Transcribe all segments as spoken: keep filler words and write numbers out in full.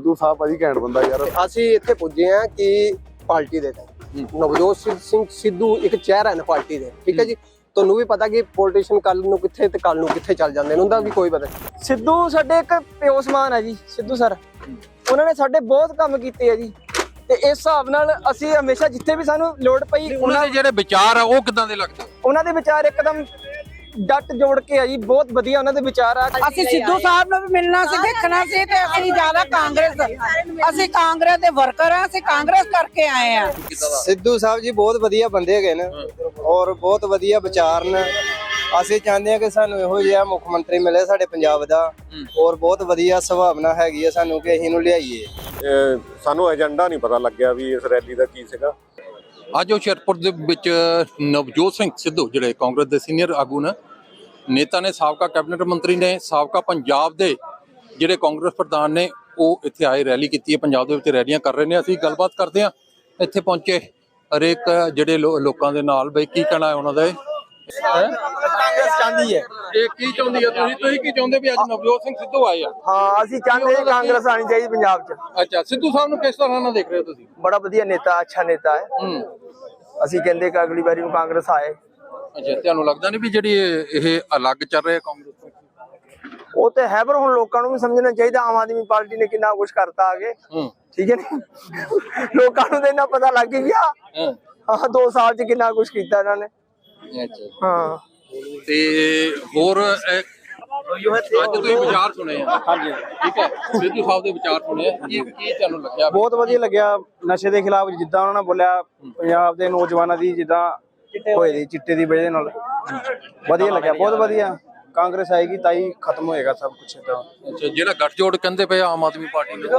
ਸਿੱਧੂ ਸਾਹਿਬ ਭਾਜੀ ਘੈਂਟ ਬੰਦਾ ਯਾਰ। ਅਸੀਂ ਇੱਥੇ ਪੁੱਜੇ ਆ ਕਿ ਪਾਰਟੀ ਦੇ ਤਹਿਤ ਨਵਜੋਤ ਸਿੰਘ ਸਿੱਧੂ ਇੱਕ ਚਿਹਰਾ ਹੈ ਨਾ ਪਾਰਟੀ ਦੇ, ਠੀਕ ਹੈ ਜੀ। ਤੁਹਾਨੂੰ ਵੀ ਪਤਾ ਕਿ ਪੋਲੀਟੀਸ਼ੀਅਨ ਕੱਲ ਨੂੰ ਕਿੱਥੇ ਤੇ ਕੱਲ ਨੂੰ ਕਿੱਥੇ ਚੱਲ ਜਾਂਦੇ ਨੇ, ਉਹਦਾ ਵੀ ਕੋਈ ਪਤਾ ਨਹੀਂ। ਸਿੱਧੂ ਸਾਡੇ ਇੱਕ ਪਿਓ ਸਮਾਨ ਹੈ ਜੀ। ਸਿੱਧੂ ਸਰ ਉਹਨਾਂ ਨੇ ਸਾਡੇ ਬਹੁਤ ਕੰਮ ਕੀਤੇ ਆ ਜੀ, ਤੇ ਇਸ ਹਿਸਾਬ ਨਾਲ ਅਸੀਂ ਹਮੇਸ਼ਾ ਜਿੱਥੇ ਵੀ ਸਾਨੂੰ ਲੋੜ ਪਈ ਉਹਨਾਂ ਦੇ ਜਿਹੜੇ ਵਿਚਾਰ ਆ ਉਹ ਕਿਦਾਂ ਦੇ ਲੱਗਦੇ? ਉਹਨਾਂ ਦੇ ਵਿਚਾਰ ਇੱਕਦਮ ਡੱਟ ਜੋੜ ਕੇ ਆ ਜੀ, ਬਹੁਤ ਵਧੀਆ ਉਹਨਾਂ ਦੇ ਵਿਚਾਰ ਆ। ਅਸੀਂ ਸਿੱਧੂ ਸਾਹਿਬ ਨੂੰ ਵੀ ਮਿਲਣਾ ਸੀ, ਦੇਖਣਾ ਸੀ, ਤੇ ਅਸੀਂ ਜ਼ਿਆਦਾ ਕਾਂਗਰਸ ਅਸੀਂ ਕਾਂਗਰਸ ਦੇ ਵਰਕਰ ਆ, ਅਸੀਂ ਕਾਂਗਰਸ ਕਰਕੇ ਆਏ ਆ। ਸਿੱਧੂ ਸਾਹਿਬ ਜੀ ਬਹੁਤ ਵਧੀਆ ਬੰਦੇ ਹੈਗੇ ਨੇ ਔਰ ਬਹੁਤ ਵਧੀਆ ਵਿਚਾਰ ਨੇ। ਅਸੀਂ ਚਾਹੁੰਦੇ ਆ ਕਿ ਸਾਨੂੰ ਇਹੋ ਜਿਹਾ ਮੁੱਖ ਮੰਤਰੀ ਮਿਲੇ ਸਾਡੇ ਪੰਜਾਬ ਦਾ, ਔਰ ਬਹੁਤ ਵਧੀਆ ਸੁਭਾਵਨਾ ਹੈਗੀ ਆ ਸਾਨੂੰ ਕਿ ਅਸੀਂ ਇਹਨੂੰ ਲਿਆਈਏ। ਸਾਨੂੰ ਏਜੰਡਾ ਨਹੀਂ ਪਤਾ ਲੱਗਿਆ ਵੀ ਇਸ ਰੈਲੀ ਦਾ ਕੀ ਸੀਗਾ। ਅੱਜ ਹੁਸ਼ਿਆਰਪੁਰ ਦੇ ਵਿੱਚ ਨਵਜੋਤ ਸਿੰਘ ਸਿੱਧੂ ਜਿਹੜੇ ਕਾਂਗਰਸ ਦੇ ਸੀਨੀਅਰ ਆਗੂ ਨੇ, ਨੇਤਾ ਨੇ, ਸਾਬਕਾ ਕੈਬਨਿਟ ਮੰਤਰੀ ਨੇ, ਸਾਬਕਾ ਪੰਜਾਬ ਦੇ ਜਿਹੜੇ ਕਾਂਗਰਸ ਪ੍ਰਧਾਨ ਨੇ, ਉਹ ਇੱਥੇ ਆਏ ਰੈਲੀ ਕੀਤੀ ਹੈ। ਪੰਜਾਬ ਦੇ ਵਿੱਚ ਰੈਲੀਆਂ ਕਰ ਰਹੇ ਨੇ। ਅਸੀਂ ਗੱਲਬਾਤ ਕਰਦੇ ਹਾਂ ਇੱਥੇ ਪਹੁੰਚੇ ਹਰੇਕ ਜਿਹੜੇ ਲੋਕਾਂ ਦੇ ਨਾਲ, ਬਈ ਕੀ ਕਹਿਣਾ ਹੈ ਉਹਨਾਂ ਦਾ। ਕਾਂਗਰਸ ਚਾਹੁੰਦੀ ਹੈ। ਇਹ ਕੀ ਚਾਹੁੰਦੀ ਹੈ? ਤੁਸੀਂ ਤੁਸੀਂ ਕੀ ਚਾਹੁੰਦੇ ਵੀ ਅੱਜ ਨਵਜੋਤ ਸਿੰਘ ਸਿੱਧੂ ਆਏ ਆ? ਹਾਂ, ਅਸੀਂ ਚਾਹੁੰਦੇ ਹਾਂ ਕਾਂਗਰਸ ਆਣੀ ਚਾਹੀਦੀ ਪੰਜਾਬ 'ਚ। ਅੱਛਾ, ਸਿੱਧੂ ਸਾਹਿਬ ਨੂੰ ਕਿਸ ਤਰ੍ਹਾਂ ਨਾਲ ਦੇਖ ਰਹੇ ਹੋ ਤੁਸੀਂ? ਬੜਾ ਵਧੀਆ ਨੇਤਾ, ਅੱਛਾ ਨੇਤਾ ਹੈ। ਹੂੰ, ਅਸੀਂ ਕਹਿੰਦੇ ਕਿ ਅਗਲੀ ਵਾਰੀ ਨੂੰ ਕਾਂਗਰਸ ਆਏ। ਅੱਛਾ, ਤੁਹਾਨੂੰ ਲੱਗਦਾ ਨਹੀਂ ਵੀ ਜਿਹੜੀ ਇਹ ਅਲੱਗ ਚੱਲ ਰਿਹਾ ਕਾਂਗਰਸ ਤੋਂ? ਉਹ ਤੇ ਹੈ, ਪਰ ਹੁਣ ਲੋਕਾਂ ਨੂੰ ਵੀ ਸਮਝਣਾ ਚਾਹੀਦਾ ਆਮ ਆਦਮੀ ਪਾਰਟੀ ਨੇ ਕਿੰਨਾ ਕੁਝ ਕਰਤਾ ਆਗੇ। ਠੀਕ ਹੈ ਨੀ, ਲੋਕਾਂ ਨੂੰ ਤਾਂ ਇੰਨਾ ਪਤਾ ਲੱਗ ਗਿਆ ਹਾਂ ਦੋ ਸਾਲ 'ਚ ਕਿੰਨਾ ਕੁਝ ਕੀਤਾ ਇਹਨਾਂ ਨੇ। ਅੱਛਾ, ਹਾਂ। ਤੇ ਹੋਰ ਅੱਜ ਤੁਸੀਂ ਵਿਚਾਰ ਸੁਣੇ ਆ? ਹਾਂਜੀ, ਠੀਕ ਹੈ, ਸਿੱਧੂ ਸਾਹਿਬ ਦੇ ਵਿਚਾਰ ਸੁਣੇ ਆ, ਕੀ ਕੀ ਤੁਹਾਨੂੰ ਲੱਗਿਆ? ਬਹੁਤ ਵਧੀਆ ਲੱਗਿਆ। ਨਸ਼ੇ ਦੇ ਖਿਲਾਫ ਜਿੱਦਾਂ ਉਹਨਾਂ ਨੇ ਬੋਲਿਆ, ਪੰਜਾਬ ਦੇ ਨੌਜਵਾਨਾਂ ਦੀ ਜਿੱਦਾਂ ਹੋਏ ਦੀ ਚਿੱਟੇ ਦੀ ਵਜ੍ਹਾ ਨਾਲ, ਵਧੀਆ ਲੱਗਿਆ, ਬਹੁਤ ਵਧੀਆ। ਕਾਂਗਰਸ ਆਏਗੀ ਤਾਂ ਹੀ ਖਤਮ ਹੋਏਗਾ ਸਭ ਕੁਛ ਏਦਾਂ। ਅੱਛਾ, ਜਿਹੜਾ ਗੱਠਜੋੜ ਕਹਿੰਦੇ ਪਏ ਆਮ ਆਦਮੀ ਪਾਰਟੀ ਨੂੰ,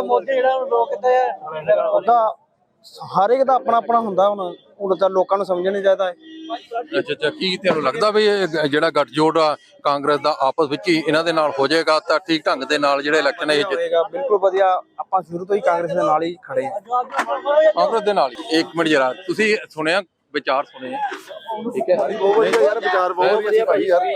ਉਹਦਾ ਹਰ ਇੱਕ ਦਾ ਆਪਣਾ ਆਪਣਾ ਹੁੰਦਾ। ਹੁਣ ਹੁਣ ਤਾਂ ਲੋਕਾਂ ਨੂੰ ਸਮਝਣਾ ਚਾਹੀਦਾ ਹੈ। ਅੱਛਾ ਅੱਛਾ, ਕੀ ਤੁਹਾਨੂੰ ਲੱਗਦਾ ਵੀ ਇਹ ਜਿਹੜਾ ਗੱਠਜੋੜ ਆ ਕਾਂਗਰਸ ਦਾ ਆਪਸ ਵਿੱਚ ਹੀ ਇਹਨਾਂ ਦੇ ਨਾਲ ਹੋ ਜਾਏਗਾ ਤਾਂ ਠੀਕ ਢੰਗ ਦੇ ਨਾਲ ਜਿਹੜੇ ਇਲੈਕਸ਼ਨ ਹੈ ਇਹ ਹੋਏਗਾ? ਬਿਲਕੁਲ ਵਧੀਆ। ਆਪਾਂ ਸ਼ੁਰੂ ਤੋਂ ਹੀ ਕਾਂਗਰਸ ਦੇ ਨਾਲ ਹੀ ਖੜੇ ਹਾਂ। ਕਾਂਗਰਸ ਦੇ ਨਾਲ ਹੀ। ਇੱਕ ਮਿੰਟ ਜਰਾ, ਤੁਸੀਂ ਸੁਣਿਆ ਵਿਚਾਰ ਸੁਣੇ, ਠੀਕ ਹੈ? ਬਹੁਤ ਵਧੀਆ ਯਾਰ, ਵਿਚਾਰ ਬਹੁਤ ਵਧੀਆ ਭਾਈ ਯਾਰ।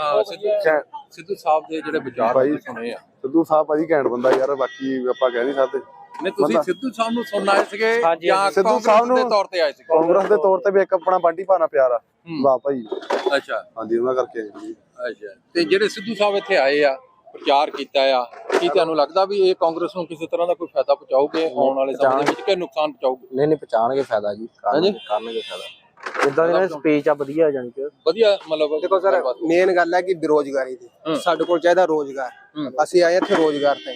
ਸਿੱਧੂ ਸਾਹਿਬ ਦੇ ਜਿਹੜੇ ਵਿਚਾਰ ਸੁਣੇ ਆ। ਸਿੱਧੂ ਸਾਹਿਬ ਭਾਜੀ ਘੈਂਟ ਬੰਦਾ ਯਾਰ, ਬਾਕੀ ਆਪਾਂ ਕਹਿ ਨਹੀਂ ਸਕਦੇ। ਨਹੀਂ, ਤੁਸੀਂ ਸਿੱਧੂ ਸਾਹਿਬ ਨੂੰ ਸੁਣਨ ਆਏ ਸੀਗੇ ਜਾਂ ਸਿੱਧੂ ਸਾਹਿਬ ਨੂੰ ਦੇ ਤੌਰ ਤੇ ਆਏ ਸੀ? ਕਾਂਗਰਸ ਦੇ ਤੌਰ ਤੇ ਵੀ ਇੱਕ ਆਪਣਾ ਬਾਂਟੀ ਭਾਣਾ ਪਿਆਰ ਆ। ਵਾਹ ਭਾਈ। ਅੱਛਾ, ਹਾਂਜੀ, ਉਹਨਾਂ ਕਰਕੇ ਆਏ ਜੀ। ਅੱਛਾ, ਤੇ ਜਿਹੜੇ ਸਿੱਧੂ ਸਾਹਿਬ ਇੱਥੇ ਆਏ ਆ, ਪ੍ਰਚਾਰ ਕੀਤਾ ਆ, ਕੀ ਤੁਹਾਨੂੰ ਲੱਗਦਾ ਵੀ ਇਹ ਕਾਂਗਰਸ ਨੂੰ ਕਿਸੇ ਤਰ੍ਹਾਂ ਦਾ ਕੋਈ ਫਾਇਦਾ ਪਹੁੰਚਾਉਗੇ ਆਉਣ ਵਾਲੇ ਸਮੇਂ ਦੇ ਵਿੱਚ ਕਿ ਨੁਕਸਾਨ ਪਹੁੰਚਾਉਗੇ? ਨਹੀਂ ਨਹੀਂ, ਪਛਾਣਗੇ ਫਾਇਦਾ ਜੀ, ਕਰਨਗੇ ਫਾਇਦਾ। ਜਿੱਦਾਂ ਦੀ ਸਪੀਚ ਆ ਵਧੀਆ, ਜਾਨੀ ਕਿ ਵਧੀਆ। ਮਤਲਬ ਦੇਖੋ ਸਰ, ਮੇਨ ਗੱਲ ਹੈ ਕਿ ਬੇਰੋਜ਼ਗਾਰੀ ਦੀ ਸਾਡੇ ਕੋਲ ਚਾਹੀਦਾ ਰੋਜ਼ਗਾਰ। ਅਸੀਂ ਆਏ ਇੱਥੇ ਰੋਜ਼ਗਾਰ ਤੇ।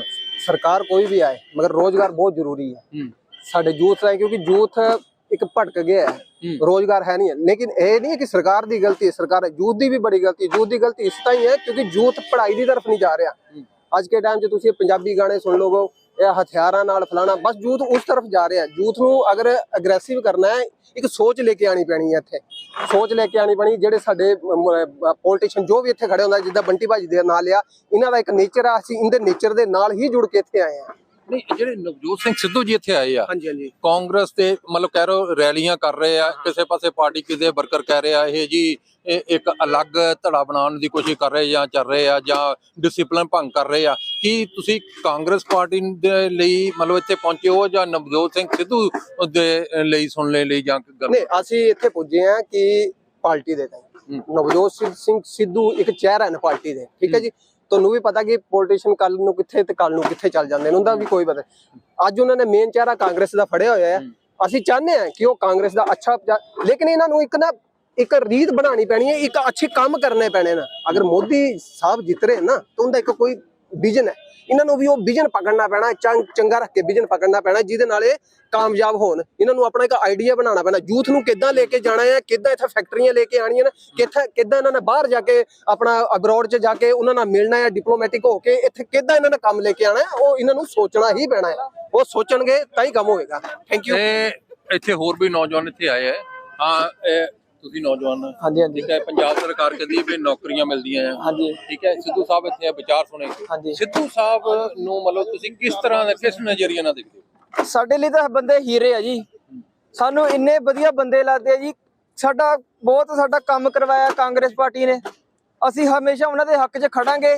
ਸਰਕਾਰ ਕੋਈ ਵੀ ਆਏ, ਮਗਰ ਰੋਜ਼ਗਾਰ ਬਹੁਤ ਜ਼ਰੂਰੀ ਹੈ ਸਾਡੇ ਯੂਥ ਲਈ, ਕਿਉਂਕਿ ਯੂਥ ਇੱਕ ਭਟਕ ਗਿਆ ਹੈ, ਰੋਜ਼ਗਾਰ ਹੈ ਨਹੀਂ। ਲੇਕਿਨ ਇਹ ਨਹੀਂ ਹੈ ਕਿ ਸਰਕਾਰ ਦੀ ਗਲਤੀ ਹੈ, ਸਰਕਾਰ ਯੂਥ ਦੀ ਵੀ ਬੜੀ ਗਲਤੀ ਹੈ। ਯੂਥ ਦੀ ਗਲਤੀ ਇਸ ਤਰ੍ਹਾਂ ਹੀ ਹੈ ਕਿਉਂਕਿ ਯੂਥ ਪੜ੍ਹਾਈ ਦੀ ਤਰਫ ਨਹੀਂ ਜਾ ਰਿਹਾ। ਅੱਜ ਕੇ ਟਾਈਮ 'ਚ ਤੁਸੀਂ ਪੰਜਾਬੀ ਗਾਣੇ ਸੁਣ ਲੋਗੇ, ਇਹ ਹਥਿਆਰਾਂ ਨਾਲ ਫਲਾਣਾ, ਬਸ ਯੂਥ ਉਸ ਤਰਫ ਜਾ ਰਿਹਾ। ਯੂਥ ਨੂੰ ਅਗਰ ਅਗਰੈਸਿਵ ਕਰਨਾ ਹੈ, ਇੱਕ ਸੋਚ ਲੈ ਕੇ ਆਣੀ ਪੈਣੀ ਹੈ। ਇੱਥੇ ਸੋਚ ਲੈ ਕੇ ਆਣੀ ਪੈਣੀ। ਜਿਹੜੇ ਸਾਡੇ ਪੋਲੀਟੀਸ਼ੀਅਨ ਜੋ ਵੀ ਇੱਥੇ ਖੜੇ ਹੁੰਦਾ, ਜਿੱਦਾਂ ਬੰਟੀ ਭਾਜੀ ਦੇ ਨਾਲ ਆ, ਇਹਨਾਂ ਦਾ ਇੱਕ ਨੇਚਰ ਆ, ਅਸੀਂ ਇਹਦੇ ਨੇਚਰ ਦੇ ਨਾਲ ਹੀ ਜੁੜ ਕੇ ਇੱਥੇ ਆਏ ਆ। ਨਹੀਂ, ਜਿਹੜੇ ਨਵਜੋਤ ਸਿੰਘ ਸਿੱਧੂ ਜੀ ਇੱਥੇ ਆਏ ਆ, ਹਾਂਜੀ ਹਾਂਜੀ, ਕਾਂਗਰਸ ਤੇ ਮਤਲਬ ਕਹਿ ਰਹੇ ਰੈਲੀਆਂ ਕਰ ਰਹੇ ਆ, ਕਿਸੇ ਪਾਸੇ ਪਾਰਟੀ ਕਿਸੇ ਵਰਕਰ ਕਹਿ ਰਹੇ ਆ ਇਹ ਜੀ ਇਹ ਇੱਕ ਅਲੱਗ ਧੜਾ ਬਣਾਉਣ ਦੀ ਕੋਸ਼ਿਸ਼ ਕਰ ਰਹੇ ਜਾਂ ਚੱਲ ਰਹੇ ਆ, ਜਾਂ ਡਿਸਪਲਿਨ ਭੰਗ ਕਰ ਰਹੇ ਆ। ਕੀ ਤੁਸੀਂ ਕਾਂਗਰਸ ਪਾਰਟੀ ਦੇ ਲਈ ਮਤਲਬ ਇੱਥੇ ਪਹੁੰਚੇ ਹੋ ਜਾਂ ਨਵਜੋਤ ਸਿੰਘ ਸਿੱਧੂ ਦੇ ਲਈ ਸੁਣਨ ਲਈ ਜਾਂ? ਨਹੀਂ, ਅਸੀਂ ਇੱਥੇ ਪੁੱਜੇ ਆ ਕਿ ਪਾਰਟੀ ਦੇ ਤਹਿਤ ਨਵਜੋਤ ਸਿੰਘ ਸਿੱਧੂ ਇੱਕ ਚਿਹਰਾ ਹੈ ਨਾ ਪਾਰਟੀ ਦੇ, ਠੀਕ ਹੈ ਜੀ। ਤੁਹਾਨੂੰ ਵੀ ਪਤਾ ਕਿ ਪੋਲੀਟੀਸ਼ੀਅਨ ਕੱਲ ਨੂੰ ਕਿੱਥੇ ਤੇ ਕੱਲ ਨੂੰ ਕਿੱਥੇ ਚੱਲ ਜਾਂਦੇ ਨੇ, ਉਹਦਾ ਵੀ ਕੋਈ ਪਤਾ। ਅੱਜ ਉਹਨਾਂ ਨੇ ਮੇਨ ਚਿਹਰਾ ਕਾਂਗਰਸ ਦਾ ਫੜਿਆ ਹੋਇਆ ਹੈ। ਅਸੀਂ ਚਾਹੁੰਦੇ ਹਾਂ ਕਿ ਉਹ ਕਾਂਗਰਸ ਦਾ ਅੱਛਾ, ਲੇਕਿਨ ਇਹਨਾਂ ਨੂੰ ਇੱਕ ਨਾ ਇੱਕ ਰੀਤ ਬਣਾਉਣੀ ਪੈਣੀ ਹੈ, ਇੱਕ ਅੱਛੇ ਕੰਮ ਕਰਨੇ ਪੈਣੇ ਨਾ। ਅਗਰ ਮੋਦੀ ਸਾਹਿਬ ਜਿੱਤ ਰਹੇ ਨਾ ਤਾਂ ਉਹਦਾ ਇੱਕ ਕੋਈ ਵਿਜ਼ਨ ਹੈ, ਇਹਨਾਂ ਨੂੰ ਵੀ ਉਹ ਵਿਜ਼ਨ ਪਕੜਨਾ ਪੈਣਾ, ਚੰਗ ਚੰਗਾ ਰੱਖ ਕੇ ਵਿਜ਼ਨ ਪਕੜਨਾ ਪੈਣਾ, ਜਿਹਦੇ ਨਾਲ ਇਹ ਕਾਮਯਾਬ ਹੋਣ। ਇਹਨਾਂ ਨੂੰ ਆਪਣਾ ਇੱਕ ਆਈਡੀਆ ਬਣਾਉਣਾ ਪੈਣਾ, ਯੂਥ ਨੂੰ ਕਿੱਦਾਂ ਲੈ ਕੇ ਜਾਣਾ ਹੈ, ਕਿੱਦਾਂ ਇੱਥੇ ਫੈਕਟਰੀਆਂ ਲੈ ਕੇ ਆਉਣੀਆਂ ਨੇ, ਕਿੱਥੇ ਕਿੱਦਾਂ ਇਹਨਾਂ ਨੇ ਬਾਹਰ ਜਾ ਕੇ ਆਪਣਾ ਅਬਰੋਡ 'ਚ ਜਾ ਕੇ ਉਹਨਾਂ ਨਾਲ ਮਿਲਣਾ ਹੈ, ਡਿਪਲੋਮੈਟਿਕ ਹੋ ਕੇ ਇੱਥੇ ਕਿੱਦਾਂ ਇਹਨਾਂ ਨੇ ਕੰਮ ਲੈ ਕੇ ਆਉਣਾ ਹੈ, ਉਹ ਇਹਨਾਂ ਨੂੰ ਸੋਚਣਾ ਹੀ ਪੈਣਾ ਹੈ। ਉਹ ਸੋਚਣਗੇ ਤਾਂ ਹੀ ਕੰਮ ਹੋਏਗਾ। Thank you. ਇੱਥੇ ਹੋਰ ਵੀ ਨੌਜਵਾਨ ਇੱਥੇ ਆਏ ਹੈ। ਹਾਂ, ਤੁਸੀਂ ਨੌਜਵਾਨ? ਹਾਂਜੀ ਹਾਂਜੀ, ਠੀਕ ਹੈ। ਪੰਜਾਬ ਸਰਕਾਰ ਕਹਿੰਦੀ ਵੀ ਨੌਕਰੀਆਂ ਮਿਲਦੀਆਂ ਆ। ਹਾਂਜੀ, ਠੀਕ ਹੈ। ਸਿੱਧੂ ਸਾਹਿਬ ਇੱਥੇ ਵਿਚਾਰ ਸੁਣੇ। ਹਾਂਜੀ। ਸਿੱਧੂ ਸਾਹਿਬ ਨੂੰ ਮਤਲਬ ਤੁਸੀਂ ਕਿਸ ਤਰ੍ਹਾਂ ਦਾ, ਕਿਸ ਨਜ਼ਰੀਏ ਨਾਲ ਦੇਖਦੇ ਹੋ? ਸਾਡੇ ਲਈ ਤਾਂ ਬੰਦੇ ਹੀਰੇ ਆ ਜੀ। ਸਾਨੂੰ ਇੰਨੇ ਵਧੀਆ ਬੰਦੇ ਲੱਗਦੇ ਆ ਜੀ। ਸਾਡਾ ਬਹੁਤ ਸਾਡਾ ਕੰਮ ਕਰਵਾਇਆ ਕਾਂਗਰਸ ਪਾਰਟੀ ਨੇ। ਅਸੀਂ ਹਮੇਸ਼ਾ ਉਹਨਾਂ ਦੇ ਹੱਕ 'ਚ ਖੜਾਂਗੇ।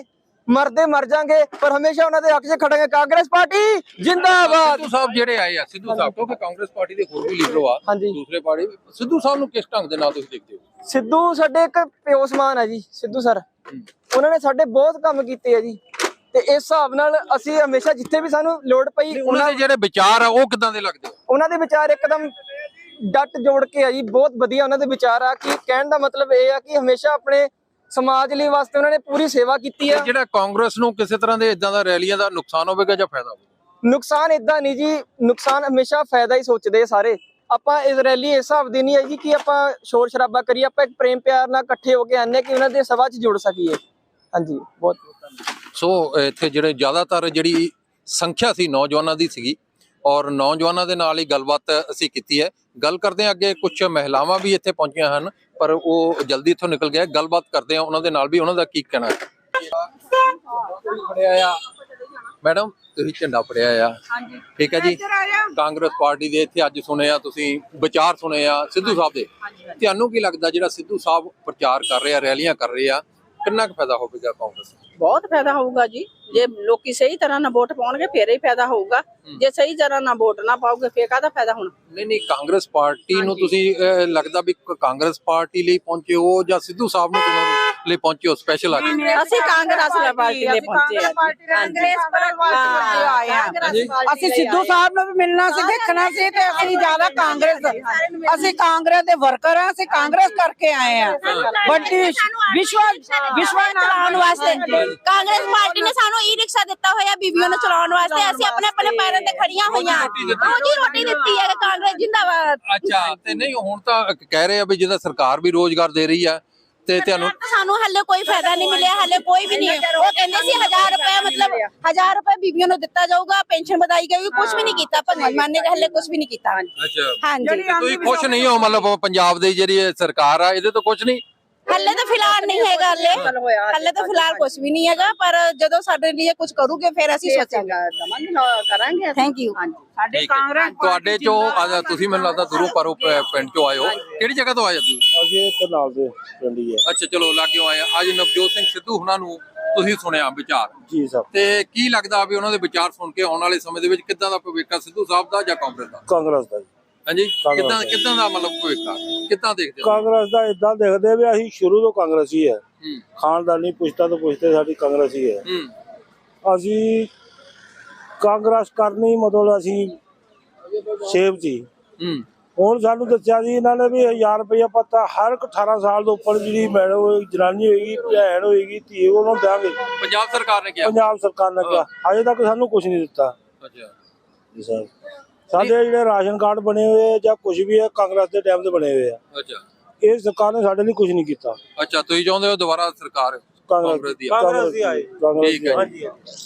ਮਰਦੇ ਮਰ ਜਾਾਂਗੇ ਪਰ ਹਮੇਸ਼ਾ ਉਹਨਾਂ ਦੇ ਹੱਕ 'ਚ ਖੜਾਂਗੇ। ਕਾਂਗਰਸ ਪਾਰਟੀ ਜਿੰਦਾਬਾਦ। ਸਿੱਧੂ ਸਾਹਿਬ ਜਿਹੜੇ ਆਏ ਆ, ਸਿੱਧੂ ਸਾਹਿਬ ਕਿਉਂਕਿ ਕਾਂਗਰਸ ਪਾਰਟੀ ਦੇ ਹੋਰ ਵੀ ਲੀਡਰ ਆ ਹਾਂਜੀ। ਦੂਸਰੇ ਪਾਰਟੀ, ਸਿੱਧੂ ਸਾਹਿਬ ਨੂੰ ਕਿਸ ਢੰਗ ਦੇ ਨਾਲ ਤੁਸੀਂ ਦੇਖਦੇ ਹੋ? ਸਿੱਧੂ ਸਾਡੇ ਇੱਕ ਪਿਓ ਸਮਾਨ ਹੈ ਜੀ। ਸਿੱਧੂ ਸਰ ਉਹਨਾਂ ਨੇ ਸਾਡੇ ਬਹੁਤ ਕੰਮ ਕੀਤੇ ਆ ਜੀ, ਤੇ ਇਸ ਹਿਸਾਬ ਨਾਲ ਅਸੀਂ ਹਮੇਸ਼ਾ ਜਿੱਥੇ ਵੀ ਸਾਨੂੰ ਲੋੜ ਪਈ ਉਹਨਾਂ ਦੇ ਜਿਹੜੇ ਵਿਚਾਰ ਆ ਉਹ ਕਿਦਾਂ ਦੇ ਲੱਗਦੇ ਆ? ਉਹਨਾਂ ਦੇ ਵਿਚਾਰ ਇੱਕਦਮ ਡੱਟ ਜੋੜ ਕੇ ਆ ਜੀ, ਬਹੁਤ ਵਧੀਆ ਉਹਨਾਂ ਦੇ ਵਿਚਾਰ ਆ। ਕਿ ਕਹਿਣ ਦਾ ਮਤਲਬ ਇਹ ਆ ਕਿ ਹਮੇਸ਼ਾ ਆਪਣੇ ਸਮਾਜ ਲਈ ਵਾਸਤੇ ਉਹਨਾਂ ਨੇ ਪੂਰੀ ਸੇਵਾ ਕੀਤੀ ਆ। ਜਿਹੜਾ ਕਾਂਗਰਸ ਨੂੰ ਕਿਸੇ ਤਰ੍ਹਾਂ ਦੇ ਇਦਾਂ ਦਾ ਰੈਲੀਆਂ ਦਾ ਨੁਕਸਾਨ ਹੋਵੇਗਾ ਜਾਂ ਫਾਇਦਾ ਹੋਵੇਗਾ? ਨੁਕਸਾਨ ਇਦਾਂ ਨਹੀਂ ਜੀ, ਨੁਕਸਾਨ ਹਮੇਸ਼ਾ ਫਾਇਦਾ ਹੀ ਸੋਚਦੇ ਆ ਸਾਰੇ। ਆਪਾਂ ਇਸ ਰੈਲੀ ਇਸ ਹਿਸਾਬ ਦੀ ਨਹੀਂ ਹੈ ਜੀ ਕਿ ਆਪਾਂ ਸ਼ੋਰ ਸ਼ਰਾਬਾ ਕਰੀਏ, ਆਪਾਂ ਇੱਕ ਪ੍ਰੇਮ ਪਿਆਰ ਨਾਲ ਇਕੱਠੇ ਹੋ ਕੇ ਆਨੇ ਕਿ ਉਹਨਾਂ ਦੇ ਸਭਾ 'ਚ ਜੁੜ ਸਕੀਏ। ਹਾਂਜੀ, ਬਹੁਤ ਸੋ ਇੱਥੇ ਜਿਹੜੇ ਜ਼ਿਆਦਾਤਰ ਜਿਹੜੀ ਸੰਖਿਆ ਸੀ ਨੌਜਵਾਨਾਂ ਦੀ ਸੀਗੀ, ਔਰ ਨੌਜਵਾਨਾਂ ਦੇ ਨਾਲ ਹੀ ਗੱਲਬਾਤ ਅਸੀਂ ਕੀਤੀ ਹੈ। ਗੱਲ ਕਰਦੇ ਹਾਂ ਅੱਗੇ, ਕੁਝ ਮਹਿਲਾਵਾਂ ਵੀ ਇੱਥੇ ਪਹੁੰਚੀਆਂ ਹਨ ਪਰ ਉਹ ਜਲਦੀ ਇੱਥੋਂ ਨਿਕਲ ਗਏ। ਗੱਲਬਾਤ ਕਰਦੇ ਹਾਂ ਉਹਨਾਂ ਦੇ ਨਾਲ ਵੀ, ਉਹਨਾਂ ਦਾ ਕੀ ਕਹਿਣਾ ਹੈ। ਫੜਿਆ ਆ ਮੈਡਮ, ਤੁਸੀਂ ਝੰਡਾ ਫੜਿਆ ਆ, ਠੀਕ ਹੈ ਜੀ। ਕਾਂਗਰਸ ਪਾਰਟੀ ਦੇ ਇੱਥੇ ਅੱਜ ਸੁਣੇ ਆ ਤੁਸੀਂ ਵਿਚਾਰ ਸੁਣੇ ਆ ਸਿੱਧੂ ਸਾਹਿਬ ਦੇ, ਤੁਹਾਨੂੰ ਕੀ ਲੱਗਦਾ ਜਿਹੜਾ ਸਿੱਧੂ ਸਾਹਿਬ ਪ੍ਰਚਾਰ ਕਰ ਰਹੇ ਆ, ਰੈਲੀਆਂ ਕਰ ਰਹੇ ਆ, ਕਿੰਨਾ ਕੁ ਫਾਇਦਾ ਹੋਵੇਗਾ ਕਾਂਗਰਸ? ਬਹੁਤ ਫਾਇਦਾ ਹੋਊਗਾ ਜੀ। ਜੇ ਲੋਕੀ ਸਹੀ ਤਰ੍ਹਾਂ ਨਾਲ ਵੋਟ ਪਾਉਣਗੇ ਫੇਰ ਹੀ ਫਾਇਦਾ ਹੋਊਗਾ। ਜੇ ਸਹੀ ਤਰ੍ਹਾਂ ਨਾਲ ਵੋਟ ਨਾ ਪਾਓਗੇ ਫੇਰ ਕਾਹਦਾ ਫਾਇਦਾ ਹੋਣਾ? ਨਹੀਂ ਨਹੀਂ, ਕਾਂਗਰਸ ਪਾਰਟੀ ਨੂੰ ਤੁਸੀਂ ਅਹ, ਲੱਗਦਾ ਵੀ ਕਾਂਗਰਸ ਪਾਰਟੀ ਲਈ ਪਹੁੰਚੇ ਹੋ ਜਾਂ ਸਿੱਧੂ ਸਾਹਿਬ ਨੂੰ ਚੁਣਨ ਲਈ ਪਹੁੰਚੇ ਹੋ ਸਪੈਸ਼ਲ ਆ ਕੇ? ਅਸੀਂ ਕਾਂਗਰਸ ਪਾਰਟੀ ਲਈ ਪਹੁੰਚੇ ਆ। ਅਸੀਂ ਸਿੱਧੂ ਸਾਹਿਬ ਨੂੰ ਵੀ ਮਿਲਣਾ ਸੀ, ਦੇਖਣਾ ਸੀ, ਤੇ ਅਸੀਂ ਜ਼ਿਆਦਾ ਕਾਂਗਰਸ, ਅਸੀਂ ਕਾਂਗਰਸ ਦੇ ਵਰਕਰ ਆ, ਅਸੀਂ ਕਾਂਗਰਸ ਕਰਕੇ ਆਏ ਆ। ਵੱਡੀ ਵਿਸ਼ਵ ਵਿਸ਼ਵ ਚਲਾਉਣ ਵਾਸਤੇ ਕਾਂਗਰਸ ਪਾਰਟੀ ਨੇ ਸਾਨੂੰ ਈ ਰਿਕਸ਼ਾ ਦਿੱਤਾ ਹੋਇਆ ਬੀਬੀਆਂ ਨੂੰ ਚਲਾਉਣ ਵਾਸਤੇ। ਅਸੀਂ ਆਪਣੇ ਆਪਣੇ ਪੈਰਾਂ ਤੇ ਖੜੀਆਂ ਹੋਈਆਂ, ਰੋਜੀ ਰੋਟੀ ਦਿੱਤੀ ਹੈ ਕਾਂਗਰਸ ਜਿੰਦਾਬਾਦ। ਅੱਛਾ, ਤੇ ਨਹੀਂ ਹੁਣ ਤਾਂ ਕਹਿ ਰਹੇ ਆ ਵੀ ਜਿਹਦਾ ਸਰਕਾਰ ਵੀ ਰੋਜ਼ਗਾਰ ਦੇ ਰਹੀ ਆ ਤੇ ਤੁਹਾਨੂੰ ਸਾਨੂੰ ਹੱਲੇ ਕੋਈ ਫਾਇਦਾ ਨਹੀਂ ਮਿਲਿਆ, ਹੱਲੇ ਕੋਈ ਵੀ ਨਹੀਂ। ਉਹ ਕਹਿੰਦੇ ਸੀ ਹਜ਼ਾਰ ਰੁਪਏ ਮਤਲਬ ਹਜ਼ਾਰ ਰੁਪਏ ਬੀਬੀਆਂ ਨੂੰ ਦਿੱਤਾ ਜਾਊਗਾ, ਪੈਨਸ਼ਨ ਵਧਾਈ ਜਾਊਗੀ, ਕੁਝ ਵੀ ਨਹੀਂ ਕੀਤਾ। ਭਗਵੰਤ ਮਾਨ ਨੇ ਹੱਲੇ ਕੁਝ ਵੀ ਨਹੀਂ ਕੀਤਾ। ਅੱਛਾ, ਹਾਂਜੀ, ਤੁਸੀਂ ਖੁਸ਼ ਨਹੀਂ ਹੋ ਮਤਲਬ ਪੰਜਾਬ ਦੀ ਜਿਹੜੀ ਇਹ ਸਰਕਾਰ ਆ ਇਹਦੇ ਤੋਂ ਕੁਝ ਨਹੀਂ? ਹੱਲੇ ਤਾਂ ਫਿਲਹਾਲ ਨਹੀਂ ਹੈਗਾ, ਹੱਲੇ ਹੱਲੇ ਤਾਂ ਫਿਲਹਾਲ ਕੁਝ ਵੀ ਨਹੀਂ ਹੈਗਾ, ਪਰ ਜਦੋਂ ਸਾਡੇ ਲਈ ਕੁਝ ਕਰੂਗੇ ਫਿਰ ਅਸੀਂ ਸੋਚਾਂਗੇ, ਕਰਾਂਗੇ। Thank you. ਸਾਡੇ ਕਾਂਗਰਸ ਤੁਹਾਡੇ ਚੋਂ ਅੱਜ ਤੁਸੀਂ ਮੈਨੂੰ ਲੱਗਦਾ ਦੂਰੋਂ ਪਰੋਂ ਪਿੰਡ ਚੋਂ ਆਏ ਹੋ, ਕਿਹੜੀ ਜਗ੍ਹਾ ਤੋਂ ਆਏ ਤੁਸੀਂ? ਅਸੀਂ ਇੱਥੇ ਨਾਲ ਦੇ ਪਿੰਡ ਹੀ ਹੈ ਅੱਛਾ, ਚਲੋ ਲਾਗਿਓ ਆਏ ਆ। ਅੱਜ ਨਵਜੋਤ ਸਿੰਘ ਸਿੱਧੂ ਹੁਣਾਂ ਨੂੰ ਤੁਸੀਂ ਸੁਣਿਆ ਵਿਚਾਰ, ਜੀ ਸਾਹਿਬ। ਤੇ ਕੀ ਲੱਗਦਾ ਵੀ ਉਹਨਾਂ ਦੇ ਵਿਚਾਰ ਸੁਣ ਕੇ ਆਉਣ ਵਾਲੇ ਸਮੇਂ ਦੇ ਵਿੱਚ ਕਿੱਦਾਂ ਦਾ ਭਵਿੱਖ ਆ ਸਿੱਧੂ ਸਾਹਿਬ ਦਾ ਜਾਂ ਕਾਂਗਰਸ ਦਾ? ਕਾਂਗਰਸ ਦਾ ਜੀ। ਹਾਂਜੀ, ਕਿੱਦਾਂ ਕਿੱਦਾਂ ਦਾ ਮਤਲਬ ਭਵਿੱਖ ਆ, ਕਿੱਦਾਂ ਦੇਖਦੇ ਹੋ? ਕਾਂਗਰਸ ਦਾ ਇਦਾਂ ਦੇਖਦੇ ਵੀ ਅਸੀਂ ਸ਼ੁਰੂ ਤੋਂ ਕਾਂਗਰਸ ਹੀ ਹੈ, ਹੂੰ ਖਾਨਦਾਨੀ ਪੁਸ਼ਤਾ ਤੋਂ ਪੁਸ਼ਤੇ ਸਾਡੀ ਕਾਂਗਰਸ ਹੀ ਹੈ। ਹੂੰ ਅਸੀਂ ਕਾਂਗਰਸ ਕਰਨੀ ਮਤਲਬ ਅਸੀਂ ਸੇਵ ਜੀ। ਹੂੰ ਹੁਣ ਸਾਨੂੰ ਦੱਸਿਆ ਜੀ ਇਹਨਾਂ ਨੇ ਵੀ ਹਜ਼ਾਰ ਰੁਪਇਆ ਪੱਤਾ ਹਰ ਇੱਕ ਅਠਾਰਾਂ ਸਾਲ ਤੋਂ ਉੱਪਰ ਜਿਹੜੀ ਮੈਡਮ ਹੋਏਗੀ, ਜਨਾਨੀ ਹੋਏਗੀ, ਭੈਣ ਹੋਏਗੀ, ਧੀ, ਉਹਨਾਂ ਨੂੰ ਦੇਵਾਂਗੇ। ਪੰਜਾਬ ਸਰਕਾਰ ਨੇ ਕਿਹਾ? ਪੰਜਾਬ ਸਰਕਾਰ ਨੇ ਕਿਹਾ, ਅਜੇ ਤੱਕ ਸਾਨੂੰ ਕੁਝ ਨਹੀਂ ਦਿੱਤਾ। ਅੱਛਾ ਜੀ ਸਰ, ਸਾਡੇ ਜਿਹੜੇ ਰਾਸ਼ਨ ਕਾਰਡ ਬਣੇ ਹੋਏ ਜਾਂ ਕੁਝ ਵੀ ਹੈ ਕਾਂਗਰਸ ਦੇ ਟਾਈਮ ਤੇ ਬਣੇ ਹੋਏ ਆ। ਅੱਛਾ, ਇਹ ਸਰਕਾਰ ਨੇ ਸਾਡੇ ਲਈ ਕੁਝ ਨਹੀਂ ਕੀਤਾ। ਅੱਛਾ, ਤੁਸੀਂ ਚਾਹੁੰਦੇ ਹੋ ਦੁਬਾਰਾ ਸਰਕਾਰ ਕਾਂਗਰਸ ਦੀ? ਕਾਂਗਰਸ ਦੀ ਆਏ। ਠੀਕ ਹੈ ਜੀ।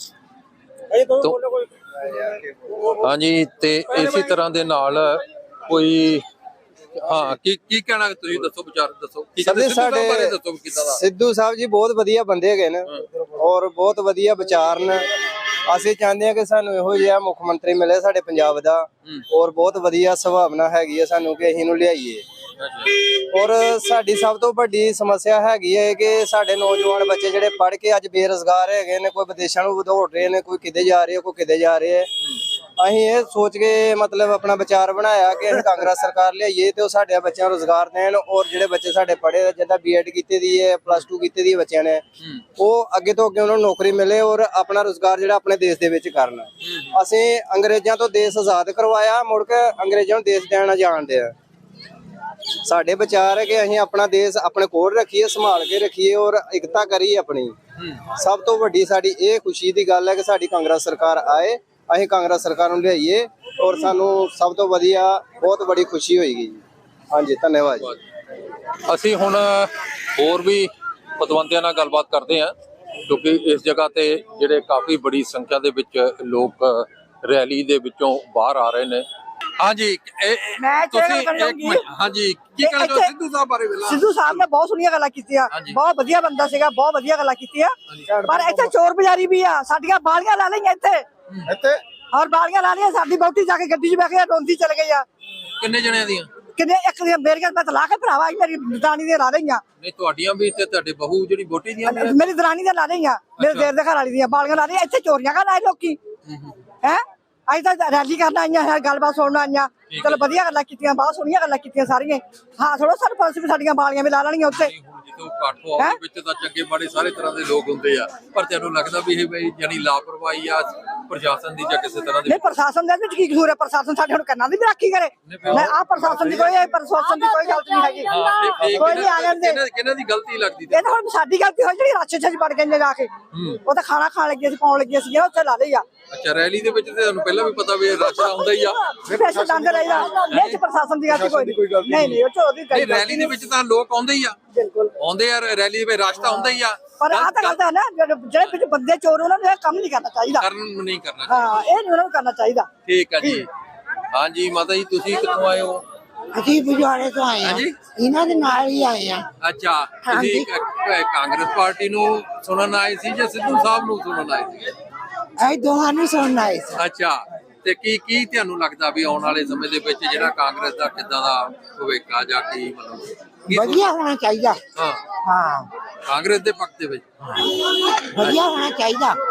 ਹਾਂਜੀ, ਤੇ ਇਸੇ ਤਰ੍ਹਾਂ ਦੇ ਨਾਲ ਕੋਈ ਹਾਂ ਕੀ ਕੀ ਕਹਿਣਾ ਤੁਸੀਂ ਦੱਸੋ, ਵਿਚਾਰ ਦੱਸੋ ਕੀ ਕਹਿੰਦੇ ਸਿੱਧੂ ਸਾਹਿਬ ਬਾਰੇ ਦੱਸੋ ਕਿੱਦਾਂ ਦਾ? ਸਿੱਧੂ ਸਾਹਿਬ ਜੀ ਬਹੁਤ ਵਧੀਆ ਬੰਦੇ ਹੈਗੇ ਨੇ ਔਰ ਬਹੁਤ ਵਧੀਆ ਵਿਚਾਰ ਨੇ। ਅਸੀਂ ਚਾਹੁੰਦੇ ਹਾਂ ਕਿ ਸਾਨੂੰ ਇਹੋ ਜਿਹਾ ਮੁੱਖ ਮੰਤਰੀ ਮਿਲੇ ਸਾਡੇ ਪੰਜਾਬ ਦਾ, ਔਰ ਬਹੁਤ ਵਧੀਆ ਸੁਭਾਵਨਾ ਹੈਗੀ ਹੈ ਸਾਨੂੰ ਕਿ ਅਸੀਂ ਇਹਨੂੰ ਲਿਆਈਏ। ਔਰ ਸਾਡੀ ਸਭ ਤੋਂ ਵੱਡੀ ਸਮੱਸਿਆ ਹੈਗੀ ਹੈ ਕਿ ਸਾਡੇ ਨੌਜਵਾਨ ਬੱਚੇ ਜਿਹੜੇ ਪੜ੍ਹ ਕੇ ਅੱਜ ਬੇਰੁਜ਼ਗਾਰ ਹੈਗੇ ਨੇ, ਕੋਈ ਵਿਦੇਸ਼ਾਂ ਨੂੰ ਦੌੜ ਰਹੇ ਨੇ, ਕੋਈ ਕਿਤੇ ਜਾ ਰਹੇ, ਕੋਈ ਕਿਤੇ ਜਾ ਰਹੇ ਹੈ। ਅਸੀਂ ਇਹ ਸੋਚ ਕੇ ਮਤਲਬ ਆਪਣਾ ਵਿਚਾਰ ਬਣਾਇਆ ਕਿ ਅਸੀਂ ਕਾਂਗਰਸ ਸਰਕਾਰ ਲਿਆਈਏ ਤੇ ਉਹ ਸਾਡੇ ਬੱਚਿਆਂ ਨੂੰ ਰੁਜ਼ਗਾਰ ਦੇਣ, ਔਰ ਜਿਹੜੇ ਬੱਚੇ ਸਾਡੇ ਪੜ੍ਹੇ ਜਿੱਦਾਂ ਬੀ ਐਡ ਕੀਤੀ ਦੀ ਹੈ, ਪਲੱਸ ਟੂ ਕੀਤੀ ਦੀ ਹੈ ਬੱਚਿਆਂ ਨੇ, ਉਹ ਅੱਗੇ ਤੋਂ ਅੱਗੇ ਉਹਨਾਂ ਨੂੰ ਨੌਕਰੀ ਮਿਲੇ ਔਰ ਆਪਣਾ ਰੁਜ਼ਗਾਰ ਜਿਹੜਾ ਆਪਣੇ ਦੇਸ਼ ਦੇ ਵਿੱਚ ਕਰਨ। ਅਸੀਂ ਅੰਗਰੇਜ਼ਾਂ ਤੋਂ ਦੇਸ਼ ਆਜ਼ਾਦ ਕਰਵਾਇਆ, ਮੁੜ ਕੇ ਅੰਗਰੇਜ਼ਾਂ ਨੂੰ ਦੇਸ਼ ਦੇਣਾ ਜਾਣਦੇ ਆ। ਸਾਡੇ ਵਿਚਾਰ ਹੈ ਕਿ ਅਸੀਂ ਆਪਣਾ ਦੇਸ਼ ਆਪਣੇ ਕੋਲ ਰੱਖੀਏ, ਸੰਭਾਲ ਕੇ ਰੱਖੀਏ ਔਰ ਇਕਤਾ ਕਰੀਏ ਆਪਣੀ। ਸਭ ਤੋਂ ਵੱਡੀ ਸਾਡੀ ਇਹ ਖੁਸ਼ੀ ਦੀ ਗੱਲ ਹੈ ਕਿ ਸਾਡੀ ਕਾਂਗਰਸ ਸਰਕਾਰ ਆਏ, ਅਸੀਂ ਕਾਂਗਰਸ ਸਰਕਾਰ ਨੂੰ ਲਿਆਈਏ ਔਰ ਸਾਨੂੰ ਸਭ ਤੋਂ ਵਧੀਆ ਬਹੁਤ ਬੜੀ ਖੁਸ਼ੀ ਹੋਏਗੀ। ਹਾਂਜੀ, ਧੰਨਵਾਦ ਜੀ। ਅਸੀਂ ਹੁਣ ਹੋਰ ਵੀ ਪਤਵੰਤਿਆਂ ਨਾਲ ਗੱਲਬਾਤ ਕਰਦੇ ਹਾਂ ਕਿਉਂਕਿ ਇਸ ਜਗ੍ਹਾ ਤੇ ਜਿਹੜੇ ਕਾਫੀ ਬੜੀ ਸੰਖਿਆ ਦੇ ਵਿੱਚ ਲੋਕ ਰੈਲੀ ਦੇ ਵਿੱਚੋਂ ਬਾਹਰ ਆ ਰਹੇ ਨੇ। ਹਾਂਜੀ, ਤੁਸੀਂ ਇੱਕ ਮਿੰਟ, ਹਾਂਜੀ ਕੀ ਕਹਿਣਾ ਚਾਹੋ ਸਿੱਧੂ ਸਾਹਿਬ ਬਾਰੇ? ਸਿੱਧੂ ਸਾਹਿਬ ਨੇ ਬਹੁਤ ਸੋਹਣੀਆਂ ਗੱਲਾਂ ਕੀਤੀਆਂ, ਬਹੁਤ ਵਧੀਆ ਬੰਦਾ ਸੀਗਾ, ਬਹੁਤ ਵਧੀਆ ਗੱਲਾਂ ਕੀਤੀਆਂ, ਪਰ ਇੱਥੇ ਚੋਰ ਬਜ਼ਾਰੀ ਵੀ ਆ। ਸਾਡੀਆਂ ਬਾਲੀਆਂ ਲਾ ਲਈਆਂ ਇੱਥੇ ਇੱਥੇ ਔਰ ਬਾਲੀਆਂ ਲਾ ਲਈਆਂ, ਸਾਡੀ ਬੌਟੀ ਜਾ ਕੇ ਗੱਡੀ 'ਚ ਬਹਿ ਕੇ ਰੋਂਦੀ ਚਲ ਗਈ ਆ। ਕਿੰਨੇ ਜਣਿਆਂ ਦੀਆਂ? ਕਿੰਨੇ ਇੱਕ ਦੀਆਂ ਮੇਰੀਆਂ ਮੈਂ ਤਾਂ ਲਾ ਕੇ ਭਰਾਵਾ ਮੇਰੀ ਦਰਾਣੀ ਦੀਆਂ ਲਾ ਲਈਆਂ ਨਹੀਂ ਤੁਹਾਡੀਆਂ ਵੀ ਤੇ ਤੁਹਾਡੇ ਬਹੂ ਜਿਹੜੀ ਵੋਟੀ ਦੀਆਂ ਵੀ ਆ? ਮੇਰੀ ਦਰਾਣੀ ਦੀਆਂ ਲਾ ਲਈਆਂ ਮੇਰੇ ਦੇਰ ਦੇ ਘਰ ਵਾਲੀ ਦੀਆਂ ਬਾਲੀਆਂ ਲਾ ਲਈਆਂ ਇੱਥੇ ਚੋਰੀਆਂ ਕਰਨ ਆਏ ਲੋਕੀ ਹੈ ਅੱਜ ਤਾਂ ਰੈਲੀ ਕਰਨ ਆਈਆਂ ਹੈ ਗੱਲਬਾਤ ਸੁਣਨ ਆਈਆਂ ਚਲੋ ਵਧੀਆ ਗੱਲਾਂ ਕੀਤੀਆਂ ਬਹੁਤ ਸੋਹਣੀਆਂ ਗੱਲਾਂ ਕੀਤੀਆਂ ਸਾਰੀਆਂ ਹਾਂ ਥੋੜਾ ਸਾਨੂੰ ਪੁਲਿਸ ਵੀ ਸਾਡੀਆਂ ਬਾਲੀਆਂ ਵੀ ਲਾ ਲੈਣੀਆਂ ਉੱਥੇ ਜਦੋਂ ਇਕੱਠ ਹੋਵੇ ਵਿੱਚ ਤਾਂ ਚੰਗੇ ਮਾੜੇ ਸਾਰੇ ਤਰ੍ਹਾਂ ਦੇ ਲੋਕ ਹੁੰਦੇ ਆ ਪਰ ਤੈਨੂੰ ਲੱਗਦਾ ਵੀ ਇਹ ਬਈ ਜਾਨੀ ਲਾਪਰਵਾਹੀ ਆ ਪ੍ਰਸ਼ਾਸਨ ਦੀ ਜਾਂ ਕਿਸੇ ਤਰ੍ਹਾਂ ਦੀ? ਨਹੀਂ ਪ੍ਰਸ਼ਾਸਨ ਦੇ ਵਿੱਚ ਕੀ ਕਸੂਰ ਹੈ ਪ੍ਰਸ਼ਾਸਨ ਸਾਡੇ ਹੁਣ ਕੰਨਾਂ ਦੀ ਵੀ ਰਾਖੀ ਕਰੇ ਮੈਂ ਆ ਪ੍ਰਸ਼ਾਸਨ ਦੀ ਕੋਈ ਪ੍ਰਸ਼ਾਸਨ ਦੀ ਕੋਈ ਗਲਤੀ ਨਹੀਂ ਹੈਗੀ ਕੋਈ ਨਹੀਂ ਆ ਜਾਂਦੇ ਕਿਹਨਾਂ ਕਿਹਨਾਂ ਦੀ ਗਲਤੀ ਲੱਗਦੀ ਇਹ ਤਾਂ ਹੁਣ ਸਾਡੀ ਗਲਤੀ ਹੋਈ ਜਿਹੜੀ ਰਾਛੇ ਚ ਵੜ ਗਏ ਨੇ ਜਾ ਕੇ ਉਹ ਤਾਂ ਖਾਣਾ ਖਾਣ ਲੱਗੇ ਸੀ ਪਾਉਣ ਲੱਗੇ ਸੀ ਉੱਥੇ ਲਾ ਲਈ ਆ ਅੱਛਾ ਰੈਲੀ ਦੇ ਵਿੱਚ ਤੇ ਤੁਹਾਨੂੰ ਪਹਿਲਾਂ ਵੀ ਪਤਾ ਵੀ ਇਹ ਰਸ਼ਾ ਹੁੰਦਾ ਹੀ ਆ ਪੈਸੇ ਦੰਦ ਰਹੀਦਾ ਇਹ ਚ ਪ੍ਰਸ਼ਾਸਨ ਦੀ ਗਲਤੀ ਕੋਈ ਨਹੀਂ ਨਹੀਂ ਉਹ ਚ ਉਹਦੀ ਨਹੀਂ ਰੈਲੀ ਦੇ ਵਿੱਚ ਤਾਂ ਲੋਕ ਆਉਂਦੇ ਹੀ ਆ ਬਿਲਕੁਲ ਆਉਂਦੇ ਆ ਰੈਲੀ ਦੇ ਵਿੱਚ ਰਸ਼ ਤਾਂ ਹੁੰਦਾ ਹੀ ਆ ਪਰ ਆਹ ਤਾਂ ਗੱਲ ਤਾਂ ਹੈ ਨਾ ਜਿਹੜੇ ਵਿੱਚ ਬੰਦੇ ਚੋਰ ਉਹਨਾਂ ਨੂੰ ਇਹ ਕੰਮ ਨਹੀਂ ਕਰਨਾ ਚਾਹੀਦਾ ਕਰਨ ਨਹੀਂ ਕਰਨਾ ਹਾਂ ਇਹ ਨਹੀਂ ਉਹਨਾਂ ਨੂੰ ਕਰਨਾ ਚਾਹੀਦਾ ਠੀਕ ਆ ਜੀ ਹਾਂਜੀ ਮਾਤਾ ਜੀ ਤੁਸੀਂ ਕਿੱਥੋਂ ਆਏ ਹੋ? ਅਸੀਂ ਬੁਝਾਰੇ ਤੋਂ ਆਏ ਹਾਂਜੀ ਇਹਨਾਂ ਦੇ ਨਾਲ ਹੀ ਆਏ ਆ ਅੱਛਾ ਤੁਸੀਂ ਕ- ਕਾਂਗਰਸ ਪਾਰਟੀ ਨੂੰ ਸੁਣਨ ਆਏ ਸੀ ਜਾਂ ਸਿੱਧੂ ਸਾਹਿਬ ਨੂੰ ਸੁਣਨ ਆਏ ਸੀ? ਅਸੀਂ ਦੋਹਾਂ ਨੂੰ ਸੁਣਨ ਆਏ ਸੀ ਅੱਛਾ ਤੇ ਕੀ ਕੀ ਤੁਹਾਨੂੰ ਲੱਗਦਾ ਵੀ ਆਉਣ ਵਾਲੇ ਸਮੇਂ ਦੇ ਵਿੱਚ ਜਿਹੜਾ ਕਾਂਗਰਸ ਦਾ ਕਿੱਦਾਂ ਦਾ ਭਵਿੱਖ ਆ ਜਾਂ ਕੀ ਮਤਲਬ ਕੀ ਸੋਚ- ਵਧੀਆ ਹੋਣਾ ਚਾਹੀਦਾ ਹਾਂ ਹਾਂ ਕਾਂਗਰਸ ਦੇ ਪੱਖ ਦੇ ਵਿੱਚ ਵਧੀਆ ਹੋਣਾ ਚਾਹੀਦਾ